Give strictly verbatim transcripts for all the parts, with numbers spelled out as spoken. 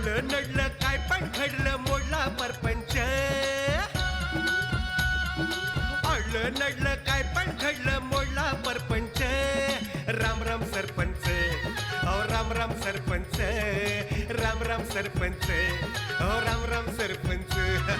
अडलं नडलं काय पण घडलं मोडला परपंच. अडलं नडलं काय पण घडलं मोडला परपंच. राम राम सरपंच, अहो राम राम सरपंच, राम राम सरपंच, अहो राम राम सरपंच.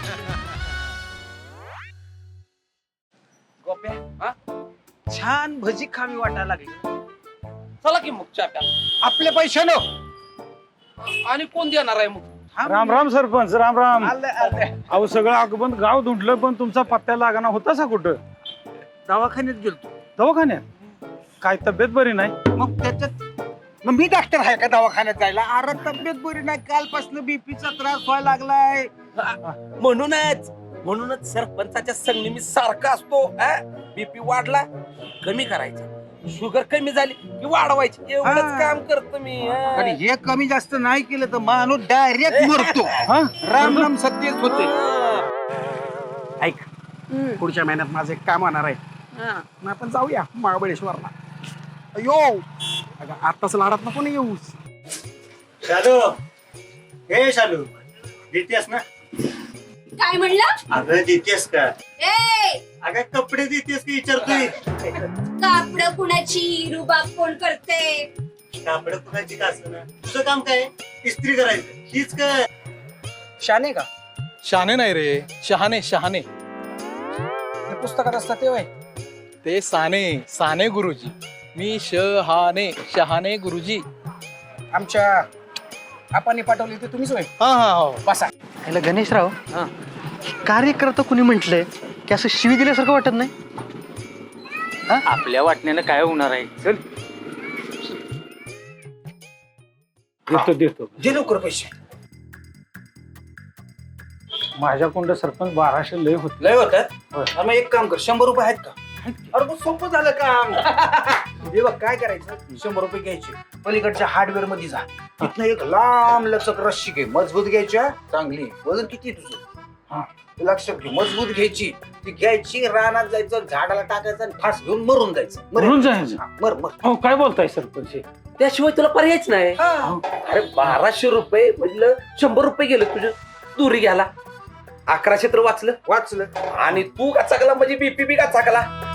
गोप्या हा छान भजी खावी वाटायला लागली. चला की मग चहा प्या. आपल्या पैशानं आणि कोण देणार आहे मग? राम राम सरपंच, राम राम. आलं आलं. अहो सगळं अगबंद गाव धुंडलं पण तुमचा पत्त्या लागाना होता सा कुठं? दवाखान्यात गेलतो. दवाखान्यात? काय तब्येत बरी नाही? मग त्याच्यात मग मी डॉक्टर आहे का दवाखान्यात जायला? अरे तब्येत बरी नाही, कालपासून बीपीचा त्रास व्हायला लागलाय. म्हणूनच म्हणूनच सरपंचाच्या संगणी मी सारखा असतो. बीपी वाढला कमी करायचा, शुगर कमी झाली की वाढवायची, एवढंच हा. काम करतो मी. हा. आणि हे कमी जास्त नाही केलं तर माणूस डायरेक्ट मरतो. हा? राम राम सत्यच होते. हा. ऐक, पुढच्या महिन्यात माझं एक काम होणार आहे. मग आपण जाऊया महाबळेश्वरला. अयो अगं आताच लाडात नको ना येऊ. शालू, हे शालू, देतेस ना? काय म्हणलं? अगं देतेस का? ए अगं कपडे देतेस की विचारतोय. कापड कुणाची, रुबाब कोण करते? कापड कुणाची का ना, तुझं काम काय? इस्त्री करायचं हीच काय? शाने का शहाणे नाही रे, शहाणे शहाणे. हे पुस्तकात असतात ते वय. ते साने साने गुरुजी. मी शहाणे शहाणे गुरुजी. आमच्या आपाने पाठवली ते तुम्हीच होय. हा हा हो. बसा. याला गणेशराव, कार्यकर्ता कुणी म्हटलंय की असं शिवी दिल्यासारखं वाटत नाही? आपल्या वाटण्यानं काय होणार आहे? चल देतो देतो. जे लवकर पैसे. माझ्या कोंड सरपंच बाराशे लय होत. लय होतात. मग एक काम कर, शंभर रुपये आहेत का? अरे मग सोपं झालं काम. हे बघ काय करायचं, शंभर रुपये घ्यायचे, पलीकडच्या हार्डवेअर मध्ये जा, तिथनं एक लांब लचक रस्सी घे, मजबूत घ्यायच्या, चांगली. वजन किती तुझं? हा लक्षात घे, मजबूत घ्यायची. ती घ्यायची, रानात जायचं, झाडाला टाकायचं आणि फास घेऊन मरून जायचं. मरून जायचं? हा, मर मर. हो काय बोलताय सरपंच? हे? त्याशिवाय तुला पर्यायच नाही. हा. अरे बाराशे रुपये म्हटलं शंभर रुपये गेलं तुझं दुरी घ्याला. अकराशे तर वाचलं वाचलं. आणि तू का चाकला म्हणजे बीपी बी का चाकला.